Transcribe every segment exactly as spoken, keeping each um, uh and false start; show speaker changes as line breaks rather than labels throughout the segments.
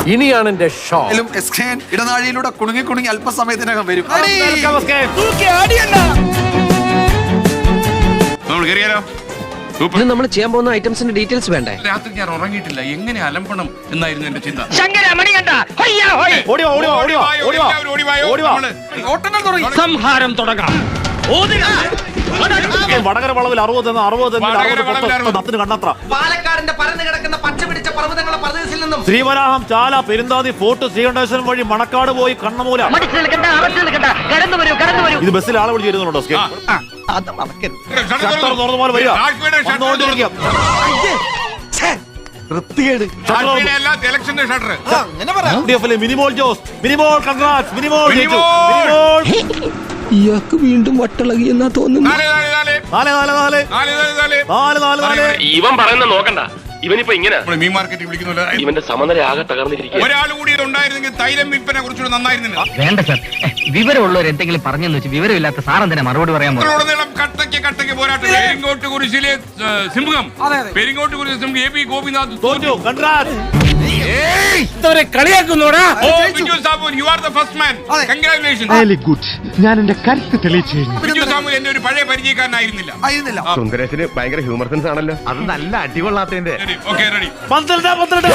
ഇനിയാണ് എന്റെ ഷോ.
ഇടനാഴിയിലൂടെ കുണുങ്ങി കുണുങ്ങി അല്പസമയത്തിനകം വരും.
നമ്മൾ ചെയ്യാൻ പോകുന്ന ഐറ്റംസിന്റെ ഡീറ്റെയിൽസ് വേണ്ടേ?
രാത്രി ഞാൻ ഉറങ്ങിയിട്ടില്ല, എങ്ങനെ അലമ്പണം എന്നായിരുന്നു എന്റെ ചിന്ത.
സംഹാരം തുടങ്ങാം.
വടകര വളവിൽ അറുപത് അറുപത് കണ്ണത്ര
പാലക്കാടിന്റെ പരന്നു കിടക്കുന്ന പച്ച പിടിച്ച പർവ്വതങ്ങളുടെ പ്രദേശത്തിൽ നിന്നും
ശ്രീവരാഹം, ചാല, പെരുന്താതി, ഫോർട്ട്, ശ്രീകണ്ഠേശ്വരം വഴി മണക്കാട് പോയി കണ്ണമൂല. ഇത് ബസ്സിൽ ആളെ വിളിച്ച് വരുന്നുണ്ടോ? മിനിമോൾ ജോസ്, മിനിമോൾ കൺഗ്രാറ്റ്സ്, മിനിമോൾ
ഇയാൾക്ക് വീണ്ടും വട്ടളകി എന്നാ തോന്നുന്നു.
ഇവൻ പറയുന്ന നോക്കണ്ട, ഇവനിപ്പോ ഇങ്ങനെ
മീൻ മാർക്കറ്റിൽ വിളിക്കുന്നില്ല.
ഇവന്റെ സമനില ആകെ തകർന്നിരിക്കും.
ഒരാൾ കൂടി ഉണ്ടായിരുന്നെങ്കിൽ തൈലം വിൽപ്പന കുറച്ചുകൂടെ നന്നായിരുന്നില്ല.
വേണ്ട സാർ, വിവരമുള്ളവർ എന്തെങ്കിലും പറഞ്ഞെന്ന് വെച്ച് വിവരമില്ലാത്ത സാറെന്തിനാ മറുപടി പറയാൻ
ഉടനീളം കട്ടയ്ക്ക് കട്ടയ്ക്ക് പോരാട്ടം. പെരിങ്ങോട്ട് കുരിശിലെ സിംഹം, പെരിങ്ങോട്ട് കുരിശിലെ സിംഹം എ പി ഗോപിനാഥ് തോറ്റു.
കളിയാക്കുന്നോടാ.
ഞാൻ എന്റെ കരുത്ത് തെളിയിച്ചു.
ബിജു സാമുൽ എന്റെ ഒരു പഴയ പരിചയക്കാരനായിരുന്നില്ല.
സുന്ദരേശന് ഭയങ്കര ഹ്യൂമർ സെൻസ് ആണല്ലോ.
അത് നല്ല അടികൊള്ളാത്തതിന്റെ.
Okay, ready.
പന്ത്രണ്ട് പന്ത്രണ്ട്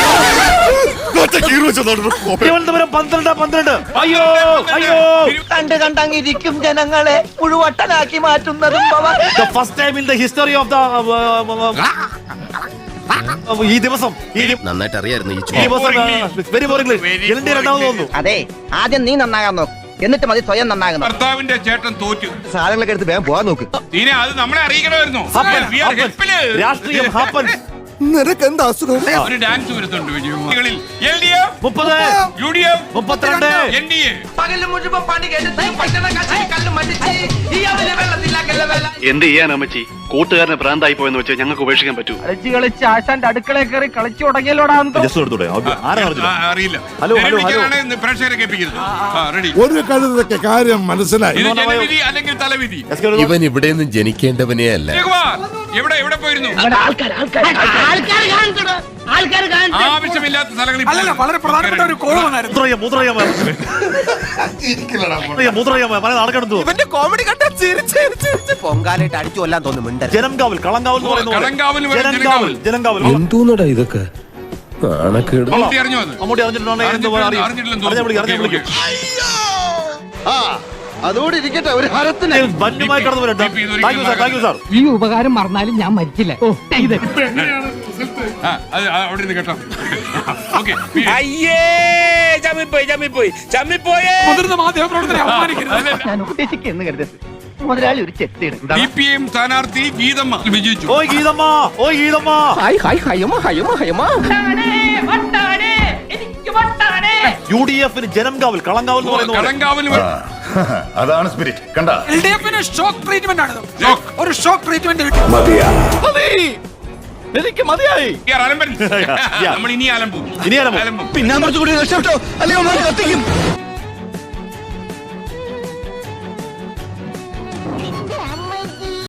തിരുവനന്തപുരം പന്ത്രണ്ട് പന്ത്രണ്ട്. അയ്യോ അയ്യോ,
കണ്ട് കണ്ടങ്ങിരിക്കും ജനങ്ങളെ മുഴുവട്ടനാക്കി മാറ്റുന്നതും
first time in the history of the ഈ ദിവസം
നന്നായിട്ട് അറിയായിരുന്നു ഈ
വെരി ബോറിംഗ്. രണ്ടാമത് തോന്നുന്നു.
അതെ, ആദ്യം നീ നന്നാകാൻ നോക്ക്, എന്നിട്ട് മതി സ്വയം നന്നാകുന്നു.
ഭർത്താവിന്റെ ചേട്ടൻ തോറ്റു.
സാധനങ്ങളൊക്കെ എടുത്ത് വേഗം പോകാൻ നോക്ക്.
ഇനി അത് നമ്മളെ അറിയിക്കണമായിരുന്നു.
രാഷ്ട്രീയം ഹാപ്പൻ.
നിനക്കെന്താ അസുഖം?
ഒരു ഡാൻസ് വരുത്തുണ്ട് വിജയങ്ങളിൽ. എൽ ഡി എഫ്
മുപ്പത്,
യു ഡി എഫ്
മുപ്പത്തിരണ്ട്,
എൻ ഡി എ.
പകല് മുഴുവൻ പണി കേട്ട് കല്ലും മടിച്ച്
എന്ത് ചെയ്യാൻ അമ്മച്ചി, കൂട്ടുകാരനെ ഭ്രാന്തായി പോയെന്ന് വെച്ചാൽ ഞങ്ങൾക്ക് ഉപേക്ഷിക്കാൻ പറ്റൂ.
കളിച്ച് കളിച്ച് ആശാന്റെ അടുക്കളയിൽ കയറി കളിച്ചു തുടങ്ങിയല്ലോടാ.
അറിയില്ല.
ഹലോ ഹലോ ഹലോ,
പ്രേക്ഷകരെ കേൾപ്പിക്കരുത്. റെഡി.
ഒരു കഴുതൊക്കെ കാര്യം മനസ്സിലായി.
ഇത് ജനവിധി അല്ലെങ്കിൽ തലവിധി.
ഇവൻ ഇവിടെ നിന്ന് ജനിക്കേണ്ടവനേ അല്ല.
എവിടെ എവിടെ പോയിരുന്നു? ആവശ്യമില്ലാത്ത സ്ഥലങ്ങളിൽ
വളരെ പ്രധാനപ്പെട്ട ഒരു കോൾ വന്നായിരുന്നു.
ഇവന്റെ കോമഡി കണ്ട പൊങ്കാലായിട്ട് അടിച്ചു കൊല്ലാൻ തോന്നുന്നു.
ജനംകാവൽ, കളങ്കാവൽ എന്ന് പറയുന്നത്.
കളങ്കാവൽ,
ജനംകാവൽ, ജനംകാവൽ.
എന്തോന്നടാ ഇതൊക്കെ?
മമ്മൂട്ടി അറിഞ്ഞോ അത്?
മമ്മൂട്ടി അറിഞ്ഞിട്ടുണ്ടെങ്കിൽ
അതോടെ ഇരിക്കട്ടെ, ഒരു ഹരത്തിന്
വന്യമായി കടന്നു വരട്ടെ. Thank you sir, thank you sir.
ഈ ഉപകാരം മറന്നാലും ഞാൻ മരിച്ചില്ല.
അവിടെ നിന്ന് കേട്ടോ.
മുതിർന്ന മാധ്യമപ്രവർത്തകരെ അപമാനിക്കരുത്.
ഞാൻ ഉദ്ദേശിക്കുന്നു കരുതരുത്. മുതലാളി ഒരു ചെത്തിയാണ്.
സി പി എം സ്ഥാനാർത്ഥി ഗീതമ്മ വിജയിച്ചു.
ഓയ് ഗീതമ്മ, ഓയ് ഗീതമ്മ.
ഹായ് ഹായ് ഹയമ ഹയമ ഹയമ.
യു ഡി എഫിന് ജനംകാവൽ, കളങ്കാവൽ എന്ന് പറയുന്നത്.
കളങ്കാവൽ
അതാണ് സ്പിരിറ്റ്. കണ്ട,
എൽ ഡി എഫിന് ഷോക്ക് ട്രീറ്റ്മെന്റ് ആണ്. ഒരു ഷോക്ക് ട്രീറ്റ്മെന്റ് കിട്ടി.
എനിക്ക് മതിയായി.
നമ്മൾ ഇനി അലമ്പും.
ഇനി അലമ്പും.
പിന്നെ കുറച്ചുകൂടി രക്ഷപ്പെട്ടോ, അല്ലെങ്കിൽ കത്തിക്കും.